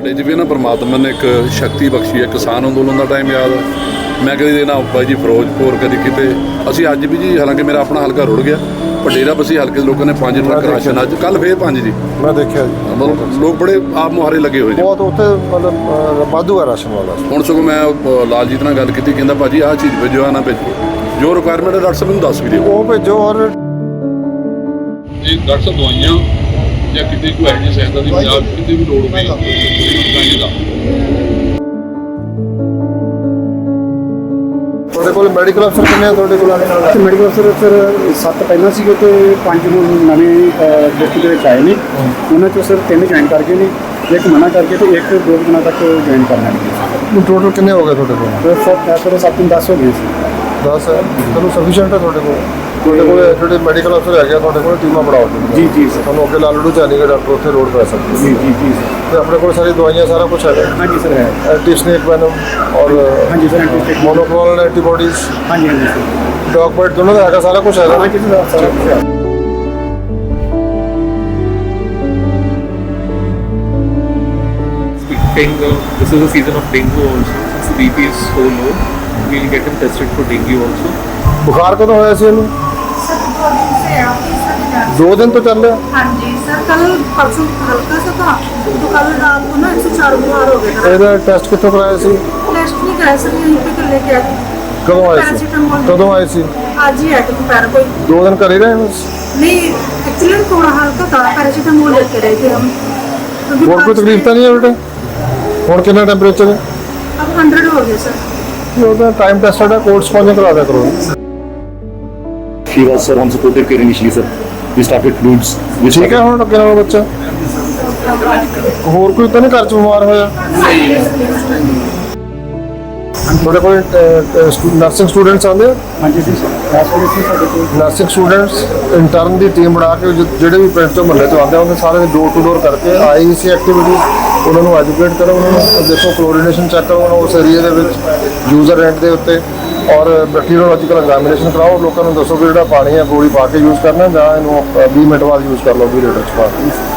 ਸਾਡੇ 'ਚ ਵੀ ਨਾ ਪਰਮਾਤਮਾ ਨੇ ਇੱਕ ਸ਼ਕਤੀ ਬਖਸ਼ੀ ਹੈ। ਕਿਸਾਨ ਅੰਦੋਲਨ ਦਾ ਟਾਈਮ ਯਾਦ ਹੈ, ਮੈਂ ਕਦੀ ਦੇ ਨਾ ਬਾਈ ਜੀ ਫਿਰੋਜ਼ਪੁਰ, ਕਦੀ ਕਿਤੇ। ਅਸੀਂ ਅੱਜ ਵੀ ਜੀ, ਹਾਲਾਂਕਿ ਮੇਰਾ ਆਪਣਾ ਹਲਕਾ ਰੁੜ ਗਿਆ, ਪਰ ਡੇਰਾ ਬਸੀ ਹਲਕੇ ਦੇ ਲੋਕਾਂ ਨੇ 5 ਟਰੱਕ ਰਾਸ਼ਨ, ਅੱਜ ਕੱਲ੍ਹ ਫੇਰ 5 ਜੀ ਮੈਂ ਦੇਖਿਆ ਜੀ। ਮਤਲਬ ਲੋਕ ਬੜੇ ਆਪ ਮੁਹਾਰੇ ਲੱਗੇ ਹੋਏ ਜੀ, ਬਹੁਤ ਉੱਥੇ ਮਤਲਬ ਵਾਧੂ ਹੈ ਰਾਸ਼ਨ ਵਾਲਾ। ਹੁਣ ਸਗੋਂ ਮੈਂ ਲਾਲਜੀਤ ਨਾਲ ਗੱਲ ਕੀਤੀ, ਕਹਿੰਦਾ ਭਾਜੀ ਆਹ ਚੀਜ਼ ਭੇਜੋ, ਆ ਨਾ ਭੇਜੋ, ਜੋ ਰਿਕੁਆਇਰਮੈਂਟ ਹੈ ਡਾਕਟਰ ਸਾਹਿਬ ਮੈਨੂੰ ਦੱਸ ਵੀ ਦਿਓ, ਉਹ ਭੇਜੋ। ਔਰ ਇਹ ਡਾਕਟਰ ਸਾਹਿਬ ਦਵਾਈਆਂ ਜਾਂ ਕਿਤੇ ਕੋਈ ਇਹੋ ਜਿਹੀ ਸਹਾਇਤਾ ਦੀ ਪੰਜਾਬ ਕਿਤੇ ਵੀ ਲੋੜ ਹੋਵੇ ਦਾ। ਤੁਹਾਡੇ ਕੋਲ ਮੈਡੀਕਲ ਅਫਸਰ ਕਿੰਨੇ ਆ ਤੁਹਾਡੇ ਕੋਲ ਆਣੇ ਨਾਲ? ਮੈਡੀਕਲ ਅਫਸਰ ਸਰ 7 ਪਹਿਲਾਂ ਸੀਗੇ ਤੇ 5 ਹੁਣ ਨਵੇਂ ਡਿਸਟ੍ਰਿਕਟ ਦੇ ਵਿੱਚ ਆਏ ਨੇ। ਉਹਨਾਂ 'ਚੋਂ ਸਰ 3 ਜੁਆਇਨ ਕਰ ਗਏ ਨੇ, ਇੱਕ ਮਨਾ ਕਰਕੇ ਤੇ ਇੱਕ 2 ਦਿਨਾਂ ਤੱਕ ਜੁਆਇਨ ਕਰਨਾ ਹੈ। ਟੋਟਲ ਕਿੰਨੇ ਹੋ ਗਏ ਤੁਹਾਡੇ ਕੋਲ? ਸਰ 7-10 ਹੋ ਗਏ ਸੀ। 10 ਹੈ, ਤੁਹਾਨੂੰ ਸਫੀਸ਼ੀਐਂਟ ਹੈ ਤੁਹਾਡੇ ਕੋਲ? ਤੁਹਾਡੇ ਕੋਲ ਜਿਹੜੇ ਮੈਡੀਕਲ ਅਫਸਰ ਹੈਗੇ ਤੁਹਾਡੇ ਕੋਲ ਟੀਮਾਂ ਬਣਾਓ ਜੀ ਜੀ ਸਰ। ਤੁਹਾਨੂੰ ਅੱਗੇ ਲਾਲੜੂ ਚਾਹੀਏ ਡਾਕਟਰ ਉੱਥੇ ਲੋਡ ਪੈ ਸਕਦੇ ਜੀ ਜੀ ਜੀ ਸਰ। ਤੇ ਆਪਣੇ ਕੋਲ ਸਾਰੀ ਦਵਾਈਆਂ ਸਾਰਾ ਕੁਝ ਹੈਗਾ? ਹਾਂਜੀ ਸਰ ਹੈ। ਐਂਟੀ ਸਨੇਕ ਵੈਨਮ ਔਰ ਹਾਂਜੀ ਸਰ ਐਂਟੀਸਟੇਟ ਮੋਨੋਕਲੋਨਲ ਐਂਟੀਬੋਡੀਜ਼, ਹਾਂਜੀ ਹਾਂਜੀ ਸਰ। ਡੌਗ ਬਾਈਟ ਦੋਨੋਂ ਦਾ ਹੈਗਾ, ਸਾਰਾ ਕੁਝ ਹੈਗਾ? ਹਾਂਜੀ ਸਰ ਸਾਰਾ ਕੁਛ ਹੈ। This is the season of dengue also. Since the BP is so low, we'll get him tested for dengue also. ਬੁਖਾਰ ਕਦੋਂ ਹੋਇਆ ਸੀ ਇਹਨੂੰ? सर 2 दिन से है ऑफिस में। 2 दिन तो चल रहा? हाँ जी सर, कल परसों हल्का सा था, तो कल रात को ना 104 बुखार हो गया था। ਇਹਦਾ ਟੈਸਟ ਕਿੱਥੋਂ ਕਰਾਇਆ ਸੀ? टेस्ट नहीं कराया सर, यहीं पे कर लेके आए। ਕਦੋਂ ਆਏ ਸੀ? पैरासीटामोल ਕਦੋਂ ਆਏ ਸੀ? आज ही है तो दोपहर को। 2 दिन ਘਰੇ ਰਹੇ ਬਸ? नहीं एक्चुअली थोड़ा हल्का था, पैरासीटामोल लेके रहे थे हम। क्योंकि ਹੋਰ ਕੋਈ ਤਕਲੀਫ ਤਾਂ ਨਹੀਂ ਹੈ ਬੇਟਾ? ਹੁਣ ਕਿੰਨਾ ਟੈਂਪਰੇਚਰ ਹੈ? अब 100 हो गया सर। ਉਹਦਾ ਟਾਈਮ ਟੈਸਟਡ ਹੈ, ਕੋਲਡ ਸਪੌਂਜਿੰਗ ਕਰਾ ਦਿਆ ਕਰੋ। She was sir on supportive care initially, sir. We started fluids. ਠੀਕ ਹੈ ਹੁਣ ਅੱਗੇ ਨਾਲੋਂ ਬੱਚਾ? ਹੋਰ ਕੋਈ ਤਾਂ ਨਹੀਂ ਘਰ ਚ ਬਿਮਾਰ ਹੋਇਆ? ਤੁਹਾਡੇ ਕੋਲ ਨਰਸਿੰਗ ਸਟੂਡੈਂਟਸ ਆਉਂਦੇ ਆ? ਹਾਂਜੀ ਜੀ ਸਰ। ਇਸ ਵੇਲੇ ਸੀ ਸਾਡੇ ਕੋਲ ਨਰਸਿੰਗ ਸਟੂਡੈਂਟਸ ਇੰਟਰਨ ਦੀ ਟੀਮ ਬਣਾ ਕੇ ਜਿਹੜੇ ਵੀ ਪਿੰਡ ਤੋਂ ਮਹੱਲੇ ਤੋਂ ਆਉਂਦੇ ਆ ਉਹਦੇ ਸਾਰੇ ਡੋਰ ਟੂ ਡੋਰ ਕਰਕੇ ਆਈਸੀ ਐਕਟੀਵਿਟੀ ਉਹਨਾਂ ਨੂੰ ਐਜੂਕੇਟ ਕਰੋ, ਉਹਨਾਂ ਨੂੰ ਦੇਖੋ ਕਲੋਰੀਨੇਸ਼ਨ ਚੈੱਕ ਕਰੋ ਉਹਨਾਂ ਉਸ ਏਰੀਆ ਦੇ ਵਿੱਚ ਯੂਜ਼ਰ ਰੈਂਟ ਦੇ ਉੱਤੇ, ਔਰ ਬੈਕਟੀਰੀਓਲੋਜੀਕਲ ਐਗਜ਼ਾਮੀਨੇਸ਼ਨ ਕਰਾਓ। ਲੋਕਾਂ ਨੂੰ ਦੱਸੋ ਕਿ ਜਿਹੜਾ ਪਾਣੀ ਹੈ ਗੋਲੀ ਪਾ ਕੇ ਯੂਜ਼ ਕਰਨਾ ਜਾਂ ਇਹਨੂੰ 20 ਮਿੰਟ ਬਾਅਦ ਯੂਜ਼ ਕਰ ਲਓ 20 ਲੀਟਰ 'ਚ ਪਾ ਕੇ।